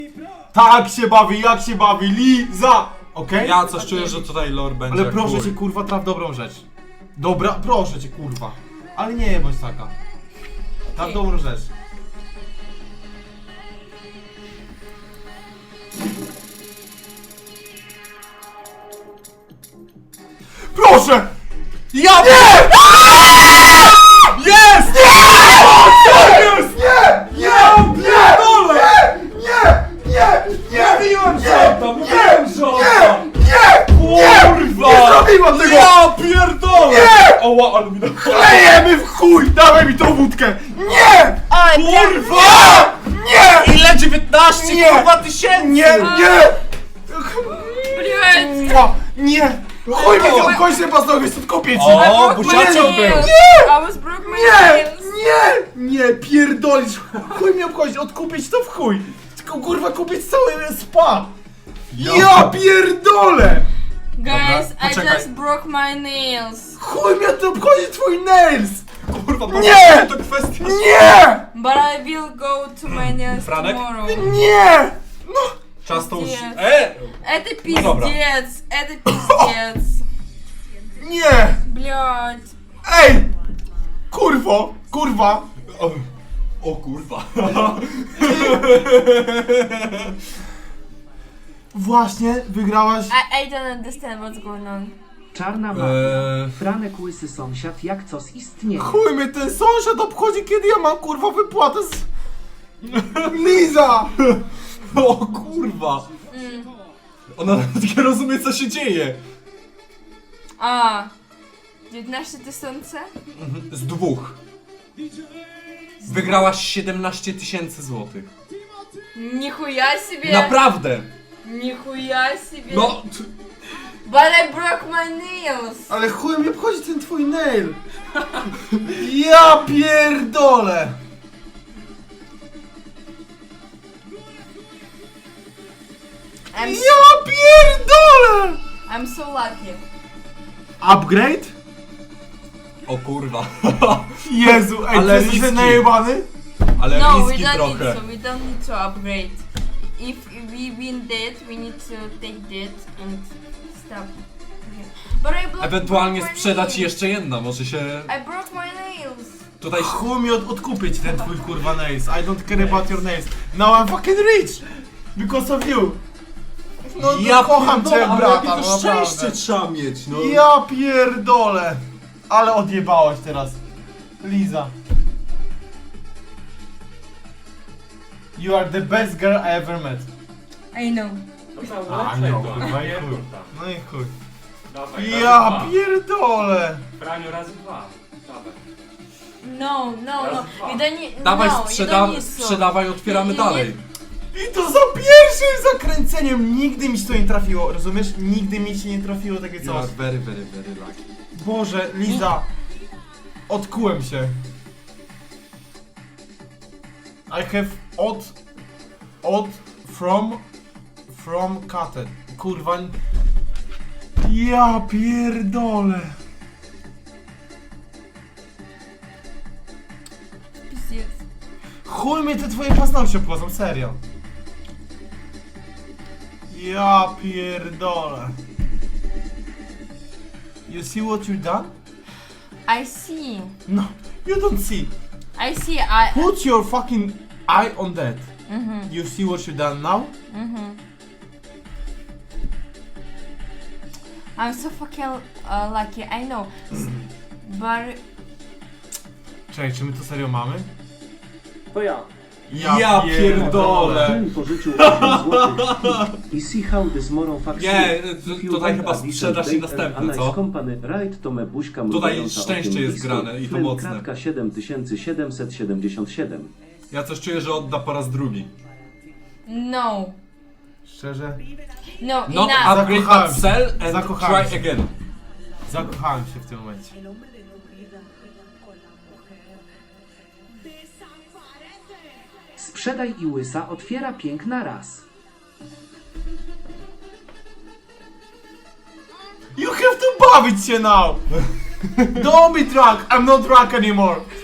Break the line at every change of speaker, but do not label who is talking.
Tak się bawi, jak się bawi, Liza! Okej?
Ja coś czuję, że tutaj lore będzie
Ale
jak
proszę
chuj.
cię kurwa, traf dobrą rzecz. Dobra, proszę cię kurwa. Ale nie bądź taka. Traf dobrą rzecz. Proszę! Ja nie! Jest! Jest! Nie! Nie! Nie!
Mówiłem, że to! Mówiłem, że
Nie zrobiłam tego!
Ja pierdolę!
Nie!
Oła, ale mi na...
Klejemy w chuj! Dawaj mi tą wódkę! Nie!
Oj,
Kurwa! Nie!
Ile? 19
Nie!
kurwa tysięcy!
Nie! Nie!
Блять!
Nie! Chuj mi tą kończę paznokcie, stąd kopię ci!
O, buziaczek był!
I was broke my
Nie!
nails.
Nie! Nie! Pierdolisz! Chuj mnie obchodzi, odkupić to w chuj! Tylko kurwa kupić cały spa! Ja pierdolę!
Guys,
Dobra,
I
poczekaj.
just broke my nails.
Chuj mnie to obchodzi twój nails!
Kurwa,
Nie!
to kwestia...
Nie!
But I will go to my nails
Franek?
tomorrow.
Nie! No!
Czas to już...
Нет.
dobra.
Это пиздец, это пиздец.
Nie!
Блять.
Ej! Kurwo! Kurwa!
O kurwa.
Właśnie wygrałaś.
I don't understand what's going on.
Czarna mafia. Franek łysy sąsiad jak coś istnieje.
Chuj mnie ten sąsiad obchodzi, kiedy ja mam kurwa wypłatę z... Liza!
O kurwa. Ona nawet nie rozumie, co się dzieje.
A, 19 tysięcy?
Z dwóch. Wygrałaś 17 000 złotych.
Нихуя себе!
Naprawdę!
Нихуя себе!
No!
But I broke my nails!
Ale chuj mnie obchodzi ten twój nail! Ja pierdolę! Ja pierdolę!
I'm so lucky.
Upgrade?
O kurwa.
Jezu, ej,
Ale
ale jesteś
riski.
najebany?
Ale
No, we
riski
don't
trochę.
need to. We don't need to upgrade. If we win that, we need to take that and stop. Okay. But I
Ewentualnie
broke my
sprzedać
nails.
jeszcze jedna, może się...
I broke my nails.
Tutaj...
Chuj mi odkupić ten twój kurwa nails. I don't care about your nails. Now I'm fucking rich! Because of you! No ja kocham cię, brata, no naprawdę.
trzeba mieć, no.
Ja pierdolę! Ale odjebałaś teraz. Liza. You are the best girl I ever met.
I know.
A, no, kurwa, i chuj. No i chuj.
Dawaj,
Ja
razy dwa.
pierdolę!
Franiu, razy dwa. Dawaj.
No, no, no. We don't need.
Dawaj,
no, you don't need to.
sprzedawaj, otwieramy
Nie, nie,
dalej.
I to za pierwszym zakręceniem nigdy mi się to nie trafiło, rozumiesz? Nigdy mi się nie trafiło takie
You
coś.
are very, very, very lucky.
Boże, Liza. Odkułem się. I have od from cuted. Kurwa. Ja pierdolę.
Пиздец.
Chuj mnie te twoje paznokcie obchodzą, serio. Ja pierdolę. You see what you done?
I see.
No, you don't see.
I see. I.
Put your fucking eye on that. You see what you done now?
I'm so fucking lucky. I know. But
Czekaj, czy my to serio mamy?
To ja.
Ja pierdolę.
Ten pożyczył 8 zł. I see how this moron fucks
Nie,
you.
to-
If you
tutaj
want
chyba
a decent
sprzedaż i
date
następne,
and a
co?
nice company, right, to me buźka
Tutaj
mrugająca
szczęście
okiem
jest
listu.
grane i to mocne.
Kratka 7777.
Ja coś czuję, że odda po raz drugi.
no.
Szczerze?
No,
Not
enough.
upgrade,
Zakochałem
but
się.
sell and
Zakochałem
try
się.
again.
Zakochałem się w tym momencie.
Sprzedaj i łysa otwiera piękna raz.
You have to bawić się now! Don't be drunk! I'm not drunk anymore!